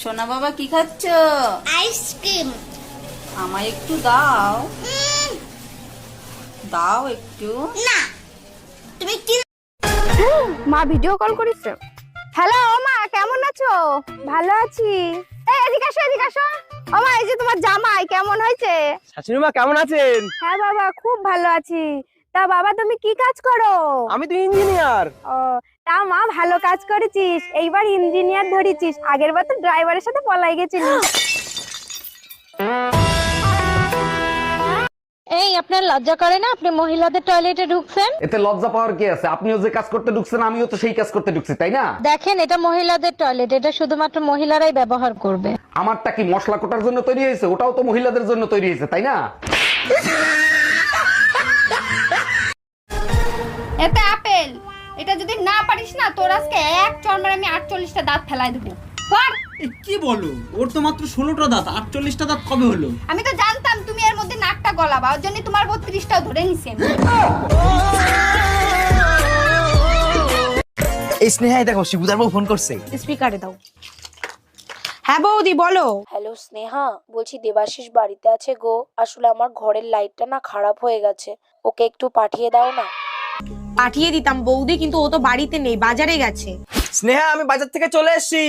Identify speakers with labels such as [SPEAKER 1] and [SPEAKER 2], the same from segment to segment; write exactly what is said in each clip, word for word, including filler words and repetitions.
[SPEAKER 1] সোনা বাবা কি খাচ্ছ?
[SPEAKER 2] আইসক্রিম।
[SPEAKER 1] আমায় একটু দাও। দাও একটু।
[SPEAKER 2] না তুমি কি?
[SPEAKER 3] মা ভিডিও কল করেছে। হ্যালো মা, কেমন আছো? ভালো আছি। এই এদিকে আসো, এদিকে আসো। ও মা, এই যে তোমার জামাই কেমন হয়েছে?
[SPEAKER 4] শাশুড়ি মা কেমন আছেন?
[SPEAKER 3] হ্যাঁ বাবা, খুব ভালো আছি। তা বাবা তুমি কি কাজ করো?
[SPEAKER 4] আমি তো ইঞ্জিনিয়ার।
[SPEAKER 3] ও, তা মা ভালো কাজ করেছিস, এইবার ইঞ্জিনিয়ার ধরেছিস, আগের বার তো ড্রাইভারের সাথে পলাই গেছিলিস।
[SPEAKER 5] এই আপনার লজ্জা করে না আপনি মহিলাদের টয়লেটে ঢুকছেন?
[SPEAKER 6] এতে লজ্জা পাওয়ার কি আছে? আপনিও যে কাজ করতে ঢুকছেন আমিও তো সেই কাজ করতে ঢুকছি, তাই না?
[SPEAKER 5] দেখেন, এটা মহিলাদের টয়লেট, এটা শুধুমাত্র মহিলারাই ব্যবহার করবে।
[SPEAKER 6] আমারটা কি মশলা কোটার জন্য তৈরি হয়েছে? ওটাও তো মহিলাদের জন্য তৈরি হয়েছে, তাই না?
[SPEAKER 3] এতে আপেল, এটা যদি না পারিস না তোর আজকে এক চড়মারে আমি আটচল্লিশটা দাঁত ফেলাই দেবো।
[SPEAKER 7] কি বলো, ওর তো মাত্র ষোলোটা দাঁত, আটচল্লিশটা দাঁত কবে হলো?
[SPEAKER 3] আমি তো জানতাম তুমি এর মধ্যে নাকটা গলাবা, ওর জন্য তোমার বত্রিশটাও ধরে নিছি।
[SPEAKER 4] এই স্নেহাই দেখো, শিবুদার বউ ফোন করছে।
[SPEAKER 3] স্পিকারে দাও।
[SPEAKER 8] হ্যাঁ বৌদি বলো।
[SPEAKER 9] হ্যালো স্নেহা, বলছি দেবাশিস বাড়িতে আছে গো। আসলে আমার ঘরের লাইটটা না খারাপ হয়ে গেছে, ওকে একটু পাঠিয়ে দাও না।
[SPEAKER 8] পাঠিয়ে দিতাম বৌদি, কিন্তু ও তো বাড়িতে নেই, বাজারে গেছে।
[SPEAKER 4] স্নেহা, আমি বাজার থেকে চলে এসেছি।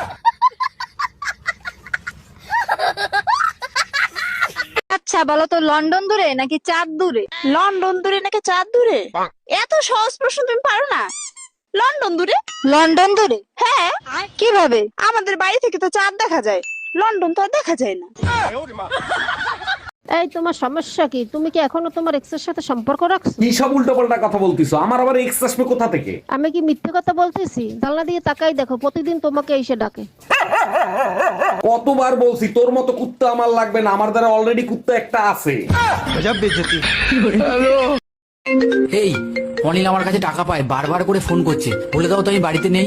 [SPEAKER 5] আচ্ছা বলো তো, লন্ডন দূরে নাকি চাঁদ দূরে?
[SPEAKER 8] লন্ডন দূরে নাকি চাঁদ দূরে? এত সহজ প্রশ্ন তুমি পারো না? লন্ডন দূরে।
[SPEAKER 5] লন্ডন দূরে?
[SPEAKER 8] হ্যাঁ।
[SPEAKER 5] কিভাবে?
[SPEAKER 8] আমাদের বাড়ি থেকে তো চাঁদ দেখা যায়, লন্ডন তো আর দেখা যায় না।
[SPEAKER 10] এই তোমার সমস্যা কি? তুমি কি এখনো তোমার এক্সের সাথে সম্পর্ক রাখছো?
[SPEAKER 6] কি সব উল্টোপাল্টা কথা বলতিছো? আমার আবার এক্স আসবে কোথা থেকে?
[SPEAKER 10] আমি কি মিথ্যে কথা বলতেছি? জানলা দিয়ে তাকাই দেখো, প্রতিদিন তোমাকে এসে ডাকে।
[SPEAKER 6] কতবার বলছি তোর মতো কুত্তা আমার লাগবে না, আমার দ্বারা অলরেডি কুত্তা একটা আছে।
[SPEAKER 11] এই অনিল আমার কাছে টাকা পায়, বারবার করে ফোন করছে, বলে দাও তো আমি বাড়িতে নেই।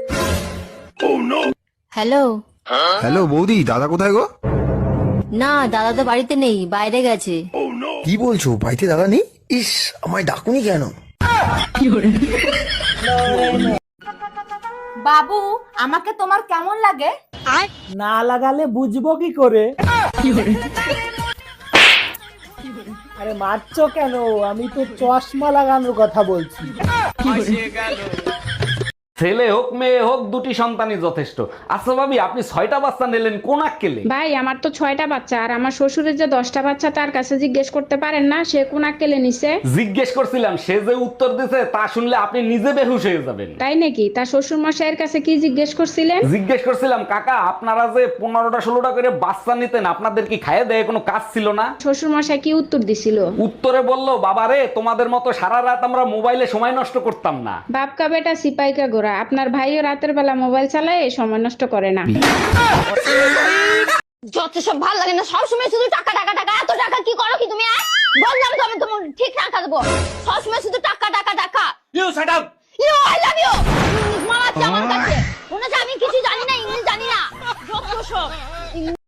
[SPEAKER 9] হ্যালো।
[SPEAKER 12] হ্যালো বৌদি, দাদা কোথায় গো?
[SPEAKER 9] না, দাদা তো বাড়িতে নেই, বাইরে গেছে।
[SPEAKER 12] কি বলছো, বাড়িতে দাদা নেই? ইস, আমায় ডাকুনি কেন?
[SPEAKER 3] বাবু, আমাকে তোমার কেমন লাগে?
[SPEAKER 4] না লাগালে বুঝবো কি করে? আরে মারছো কেন? আমি তো চশমা লাগানোর কথা বলছি।
[SPEAKER 6] ছেলে হোক মেয়ে হোক, দুটি সন্তানই যথেষ্ট। আচ্ছা ভাবি, আপনি ছয়টা বাচ্চা নিলেন কোন আক্কেলে?
[SPEAKER 13] ভাই, আমার তো ছয়টা বাচ্চা, আর আমার শ্বশুরের যে দশটা বাচ্চা, তার কাছে জিজ্ঞেস করতে পারেন না সে কোন আক্কেলে নিছে?
[SPEAKER 6] জিজ্ঞেস করছিলাম, সে যে উত্তর দিছে তা শুনলে আপনি নিজে বেহুশ হয়ে যাবেন।
[SPEAKER 13] তাই নাকি? তার শ্বশুর মশাইয়ের কাছে কি জিজ্ঞেস করছিলেন?
[SPEAKER 6] জিজ্ঞেস করছিলাম, কাকা আপনারা যে পনেরোটা ষোলোটা করে বাচ্চা নিতেন, আপনাদের কি খাইয়ে দেয় কোনো কাজ ছিল না?
[SPEAKER 13] শ্বশুর মশাই কি উত্তর দিছিল?
[SPEAKER 6] উত্তরে বললো, বাবারে তোমাদের মতো সারা রাত আমরা মোবাইলে সময় নষ্ট করতাম না।
[SPEAKER 13] বাপকা বেটা সিপাইকা গোরা, আপনার ভাইও রাতের বেলা মোবাইল চালায়, সময় নষ্ট করে না।
[SPEAKER 2] যত সব ভালো লাগে না, সবসময় শুধু টাকা টাকা টাকা। এত টাকা কি করো কি তুমি? বললাম তো আমি তোমার ঠিক টাকা দেবো, সবসময় শুধু টাকা টাকা টাকা।
[SPEAKER 4] You shut up.
[SPEAKER 2] You I love you. English মারাচ্ছে আমার কাছে, মনে হচ্ছে আমি কিছু জানি না, ইংলিশ জানি না। যত সব